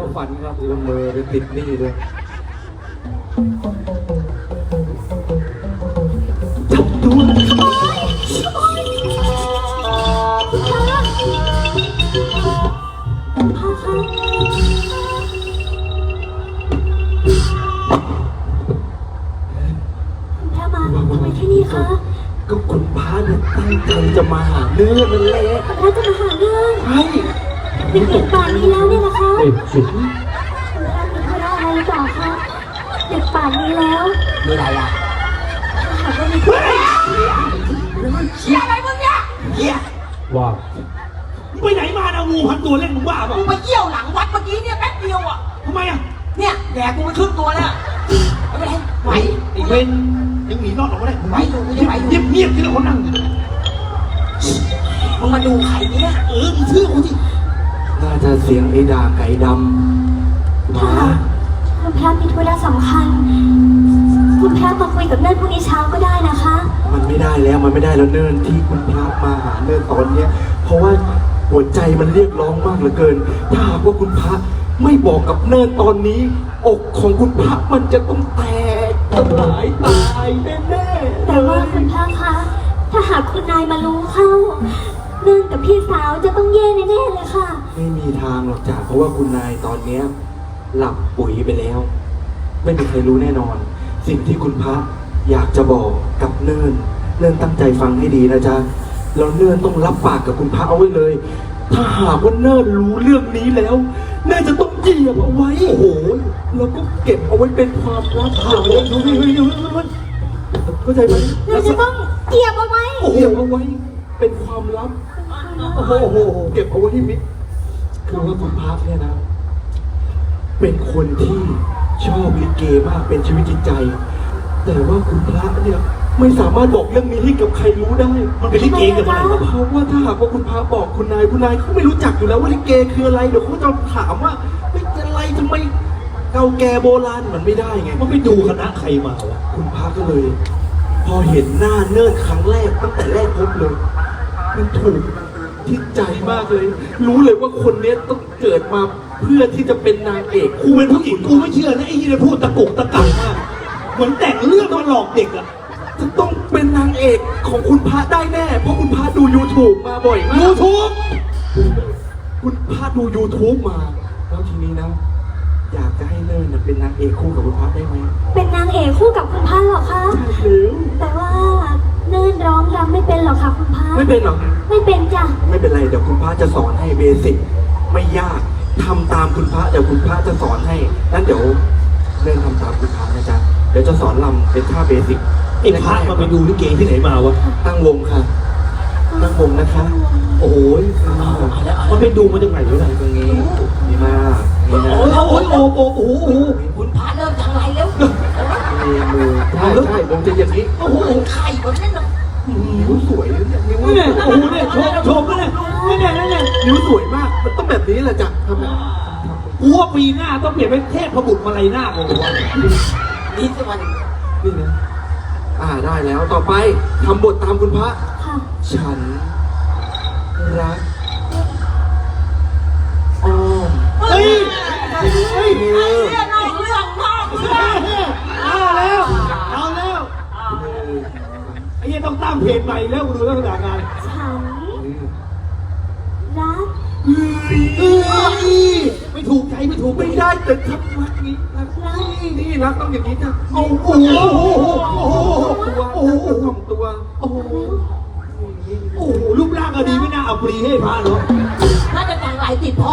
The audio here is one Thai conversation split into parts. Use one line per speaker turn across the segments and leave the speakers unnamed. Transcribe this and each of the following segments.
ฝันครับละเมอเลยติดหนี้ด้วยจับตัว
พ่อคะคุณพระมาทำไมที่นี่คะ
ก็คุณพระเนี่ยตั้งใจจะมาหาเนื้อนั่นแหละ
คุณพระจะมาหาเรื่อง
ใช่
เป็นเด็กป่านนี้แล้วเนี่ยนะคะ
เด็กสิ
คุณพระมีธุระอะไรหรือเปล่าคะเด็กป่านนี้แล้ว
มีอะไรอ่ะ
หากว่ามีธุระ
เฮียอะไรมึงเนี่ยเฮีย
ว่า
ไปไหนมานะงูพันตัวเล่นมึงบ้าเปล่า
กูไปเยี่ยวหลังวัดเมื่อกี้เนี่ยแป๊บเดียวอ่ะ
ทำไมอ่ะ
เนี่ยแดกกูไปครึ่งตัวแล้วไม่เป็นไรไหว
ไอ้เวนยังหนีรอดออกมาได้
ไหวอยู่กูจะไหวอยู่
เงียบเงียบที่ละคนนั่ง
มึงมาดูไข่เนี่ย
มึงเชื่อกูสิ
น่าจะเสียงไอ้ด่าไก่ดำ
ถ้า
มา
คุณพระมีธุระสำคัญ คุณพระมาคุยกับเนิ่นพรุ่งนี้เช้าก็ได้นะคะ
มันไม่ได้แล้วมันไม่ได้แล้วเนิ่นที่คุณพระมาหาเนิ่นตอนเนี้ยเพราะว่าหัวใจมันเรียกร้องมากเหลือเกิน ถ้าหากว่าคุณพระไม่บอกกับเนิ่นตอนนี้ อกของคุณพระมันจะต้องแตกสลายตายแน่ๆ
แต่ว่าคุณพระคะ ถ้าหากคุณนายมารู้เข้า เนิ่นกับพี่สาวจะต้องแย่แน่ๆเลยค่ะ
ไม่มีทางหรอกจ้ะเพราะว่าคุณนายตอนเนี้ยหลับปุ๋ยไปแล้ว ไม่มีใครรู้แน่นอน สิ่งที่คุณพระอยากจะบอกกับเนิ่นตั้งใจฟังให้ดีนะจ๊ะแล้วเนิ่นต้องรับปากกับคุณพระเอาไว้เลย ถ้าหากว่าเนิ่นรู้เรื่องนี้แล้วเนิ่นจะต้องเหยียบเอาไว้โอ้โหแล้วก็เก็บเอาไว้เป็นความลับเอาไว้ดูเข้าใจไหม
เราจะต้องเกียบเอาไว้
เหยียบเอาไว้เป็นความลับ โอ้โหเก็บเอาไว้ที่มิตรคือว่าคุณพระเนี่ยนะ เป็นคนที่ชอบลิเกมากเป็นชีวิตจิตใจ แต่ว่าคุณพระเนี่ยไม่สามารถบอกเรื่องนี้ให้กับใครรู้ได้
มันเป็นลิเกกันเมื่อไหร่วะ
เพราะว่าถ้าหากว่าคุณพระบอกคุณนายเขาไม่รู้จักอยู่แล้วว่าลิเกคืออะไรเดี๋ยวเขาจะถามว่าเป็นอะไรทำไมเก่าแก่โบราณมันไม่ได้ไง
มันไปดูคณะใครมาวะ
คุณพระก็เลย พอเห็นหน้าเนิ่นครั้งแรกตั้งแต่แรกพบเลยมันถูกทิศใจมากเลย รู้เลยว่าคนเนี้ยต้องเกิดมาเพื่อที่จะเป็นนางเอก
กูเป็นผู้หญิงกูไม่เชื่อนะไอ้ยี่เนี่ยพูดตะกุกตะกักมากเหมือนแต่งเรื่องมาหลอกเด็กอ่ะ
จะต้องเป็นนางเอกของคุณพระได้แน่ เพราะคุณพระดู YouTube มาบ่อยมาก
YouTube
คุณพระดู YouTube มา แล้วทีนี้นะ อยากจะให้เนิ่นน่ะเป็นนางเอกคู่กับคุณพระได้ไหม
เป็นนางเอกคู่กับคุณพระเหรอคะ
ใช่แล้ว
แต่ว่าเนิ่นร้องรำไม่เป็นหรอกค่ะคุณพระ
ไม่เป็นหรอก
ไม่เป็นจ้ะ
ไม่เป็นไรเดี๋ยวคุณพระจะสอนให้เบสิกไม่ยากทำตามคุณพระเดี๋ยวคุณพระจะสอนให้นั้นเดี๋ยวเริ่มทำตามคุณพระนะจ๊ะเดี๋ยวจะสอนลำเป็นท่าเบสิก
ไอ้พระมาไปดูลิเกที่ไหนมาวะ
ตั้งวงค่ะตั้งวงนะคะ
โอ้โหมันไปดูมาจากไหนวะเนี่ย
ตรงนี้ดีมากนี่นะ
โอ้ยโอ้ยโอ้โหโอ้โห
คุณพระเริ่มจังไรแล้ว
มีมือใช่ใช่วงจะอย่างนี้
โอ้โหไข่แบบนั้นน่ะ
นิ้วสวยนะเนี่ยนิ้ว
เนี่ยโอ้โหเนี่ยโชว์ก็เนี่ยเนี่ย
นิ้วสวยมากมันต้องแบบนี้แหละจ้ะทำไม
กูว่าปีหน้าต้องเปลี่ยนเป็นเทพบุตรมาลัยหน้าของกูวะ
นี่สิวัน
นี่นะได้แล้วต่อไปทำบทตามคุณพระ
ค่ะ
ฉันรักอ้อม
เฮ้ยเฮ้ย
เธอ
เรื่องนอกเรื่องนอกเรื่อง
เอาแล้วเอาแล้ว
เธอ
ไอ้เหี้ยต้องตั้งเพจใหม่แล้วกูดูลักษณะงาน
ฉันรัก
ไม่ถูกใจไม่ถูก
ไม่ได้แต่ทำรักนี้รักนี่รักต้องอย่างนี้จ้ะ
โอ้โหโอ้โห
ตัวตัว
โอ้โหโอ้โหรูปร่างก็ดีไม่น่าเอาปรีให้พระเนาะ
น่าจะจังไรติดพ่อ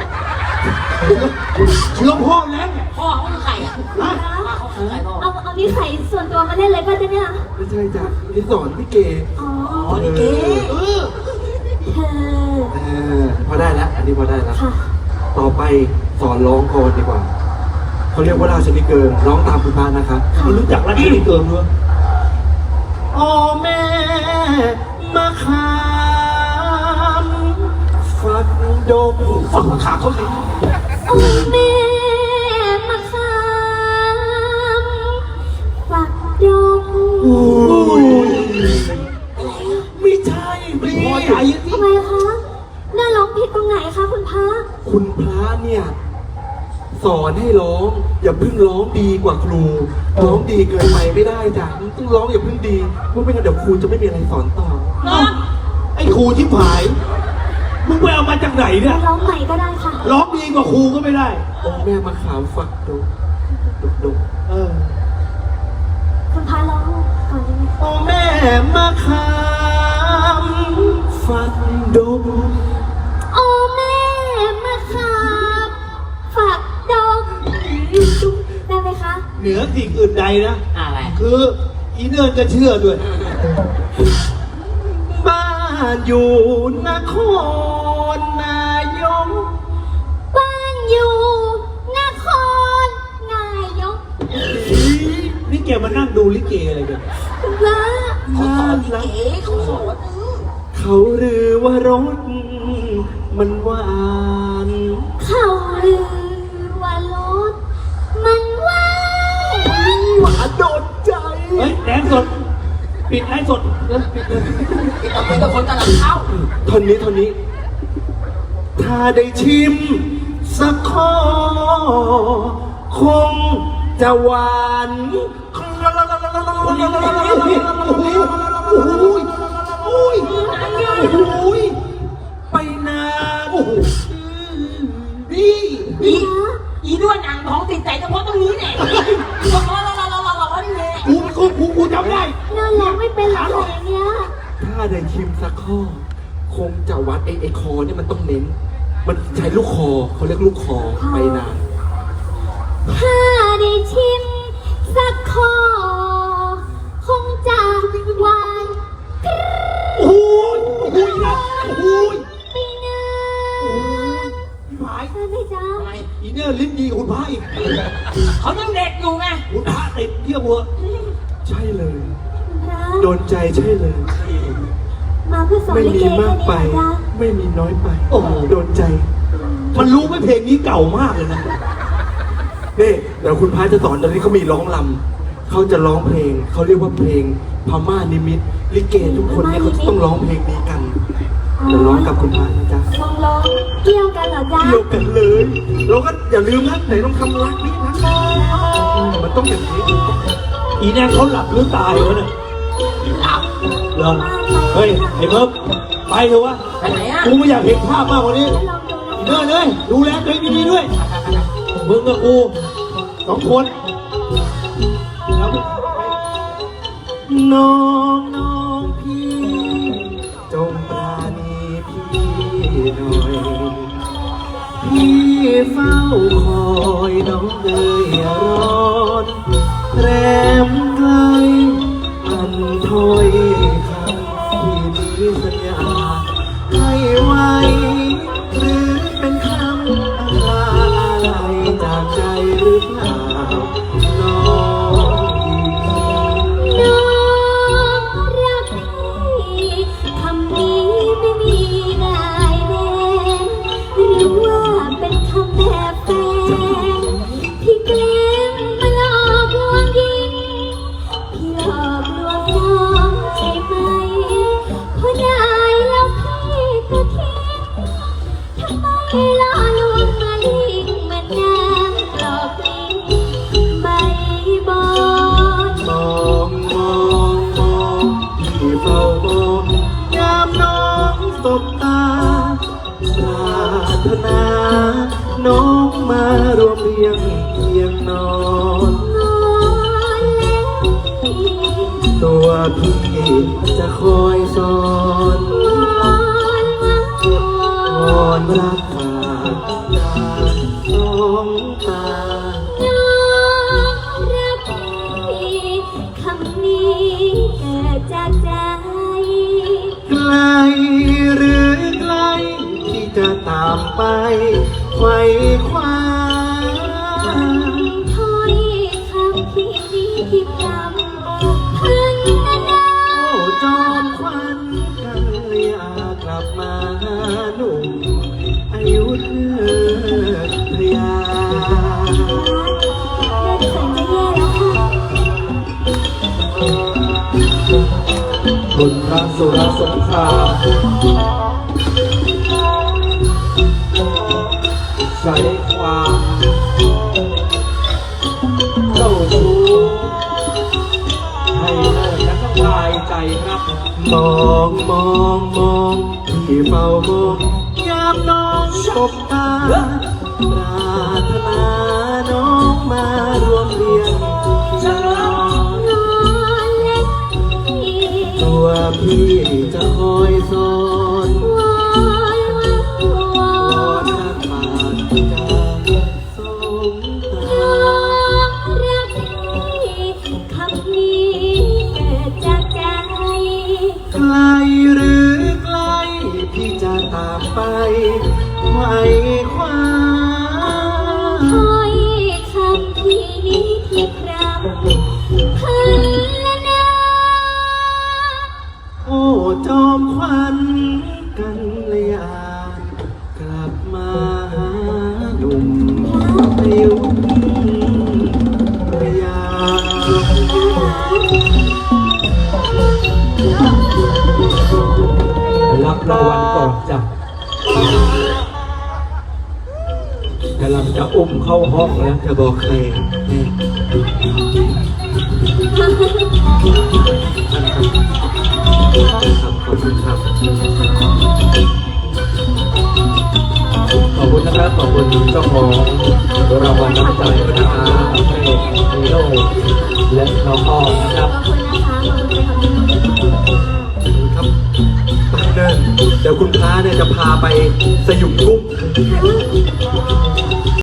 เชื้อพ่อแล้ว
พ่อเขาคือไข่อ่ะ
ฮะ
พ่อเขาคือไข่พ่อ
เอานิสัยส่วนตัวมาเล่นเลยป่ะจ๊ะเนี่ย
ไม่ใช่จ้ะนี่สอนพี่เก
อ๋อ
อ๋อนี่เก๋
เธอ
พอได้แล้วอันนี้พอได้แล้ว
ค่ะ
ต่อไปสอนร้องก่อนดีกว่าเขาเรียกว่าราชนิเกินร้องตามคุณพระนะคะ
มันรู้จักรัชนีเกินด้วย
อ๋อแม่มาขามฝักดก
ฝังขาเขาสิ
โอ้แม่มาคามฝักดง
ไม่ใช่
ไม่พอใจสิ
ทำไมคะน่าร้องผิดตรงไหนคะคุณพระ
คุณพระเนี่ยสอนให้ร้อง อย่าเพิ่งร้องดีกว่าครู ร้องดีเกินไปไม่ได้จ้ะต้องร้องอย่าเพิ่งดีเพราะไม่งั้นเดี๋ยวครูจะไม่มีอะไรสอนต่อ
เนาะ
ไอ้ครูที่ผาย มึงไปเอามาจากไหนเนี่ย
ร้องใหม่ก็ได้ค่ะ
ร้องดีกว่าครูก็ไม่ได้
องค์แม่มาขามฝักดก
เออ
คุณพาร้องก่อนได้ไหม
โอ้แม่มาขามฝักดก
โอ้แม่มาครับฝากดอกได้ไหมคะ
เหนือสิ่งอื่นใดนะ
อะไร
คืออีเนิร์นจะเชื่อด้วย
บ้านอยู่นครนายก
บ้านอยู่นครนายก
นี่แกมานั่งดูลิเกอะไรกัน
คุณพระ
เขาสอนลิเก๋เขาสอน
เขาลือว่ารถมันหวาน
เขาลือว่ารถมันว่าง
หวานโดนใจ
เฮ้ยแดนสด ปิดไลฟ์สดปิดเลย
ติดต่อไปกับคนกำลังเข้า
ท่อนนี้ ถ้าได้ชิมสักข้อ คงจะหวาน
โอ้ยโอ้ย
ไปนาน
โอ้โหนี่
อีด้วนอ่างท้องติดใจเฉพาะตรงนี้แหละบอกเรานี่แหละ
กูจำได้
เดินร้องไม่เป็นหรอกอย่างเงี้ย
ถ้าได้ชิมสักข้อ คงจะวัดไอ้คอเนี่ยมันต้องเน้น มันใช้ลูกคอเขาเรียกลูกคอไปนาน
ถ้าได้ชิมสักข้อคงจะหวาน
โอ้ยโอ้ยนะโอ้ย
ไปนาน
หาย
ใช่ไหมจ๊ะ
ทำไม
อีเนอร์ลิ้นดีคุณพระอีก
เขายังเด็กอยู่ไง
คุณพระติดเยี่ยหัว
ใช่เลย
คุณพระ
โดนใจใช่เลย
มาเพื่อสอน
ไม่
ลิ
มี
เก
มากไป
แค่นี้เหรอจ๊ะ
ไม่มีน้อยไป
โอ้โห
โดนใจ
มันรู้ไหมเพลงนี้เก่ามากเลยนะ
นี่เดี๋ยวคุณพระจะสอนตอนนี้เขามีร้องลำเขาจะร้องเพลง เขาเรียกว่าเพลงพม่านิมิตลิเกทุกคนเนี่ยเขาจะต้องร้องเพลงนี้กันเดี๋ยวร้องกับคุณพระนะจ๊ะ
ลองร้องเกี่ยวกันเหรอจ๊ะ
เกี่ยวกันเลย เราก็อย่าลืมนะไหนต้องทำรักนี้นะมันต้องอย่างนี้
อีแนงเขาหลับหรือตายวะเนี่ย
หลับ
เหรอเฮ้ยไอ้เพิ่มไปเถอะวะ
ไปไหนอ่ะ
กูไม่อยากเห็นภาพมากกว่านี้
ลองดูนะ
อีเนอร์เลยดูแลตัวเองดีๆด้วย มึงกับกูสองคนแล้ว
น้องพี่จงปราณีพี่หน่อย พี่เฝ้าคอยน้องเลยอย่าร้อนแรมไกลกันถ้อยคำที่มีสัญญาให้ไว้ หรือเป็นคำอะไรจากใจหรือเปล่าน้องพี่
น้องรักพี่คำนี้ไม่มีได้แน่หรือว่าเป็นคำแบบแฟนที่แกล้งมาหลอกลวงยิ่งพี่หลอกลวงน้องใช่ไหมเพราะได้แล้วพี่ก็ทิ้งทำไมล่อลวงมาลิงมันนางหลอกลิงไม่บอก
มองพี่เฝ้ามองยามน้องสบตาปรารถนาน้องมารวมเรียงเคียงนอน
นอนแล้วพี่
ตัวพี่จะคอยสอน
นอนมา
วอนรักฝากจากน้องตา
น้องรักพี่คำนี้เกิดจากใจ
ไกลหรือไกลที่จะตามไปไขว้คว้า
ถ้อยคำพี่นี้ที่จำพันนา
โอ้จอมควันกันอยากกลับมาหาหนุ่มอายุเธอยา
เดินเขินจะแย่แล้วค่ะ
บุญพระสุรสงครามใช้ความมองที่เฝ้ามองยามน้องสบตาปรารถนาน้องมารวมเรียนนอน
นอนเล่นที่
ตัวพี่จะคอยสอน
วอนวอ
วอน
น
รักปากจะสมตา
รักที่คำนี้เกิดจากใจ
ไกลหรือไกลพี่จะตามไปไขว่คว้า
ถ้อยคำที่นี้ที่พรำพันละนา
โอ้จอมขวัญกันเลยกลับมาหาหนุ่มในยุคพยา
รับรางวัลก่อนจ้ะกำลังจะอุ้มเข้าห้องแล้ว
จะบอกใครเนี่ยครับขอบคุณครับ
ขอบคุณนะครับ ขอบคุณเจ้าของรางวัลน้ำใจด้วยนะครับให้ฮีโร่และน้องอ้อมนะครับ
ขอบคุณนะคะขอบคุณค่ะ
ครับไปเดินเดี๋ยวคุณพระเนี่ยจะพาไปสยุมกุ้ง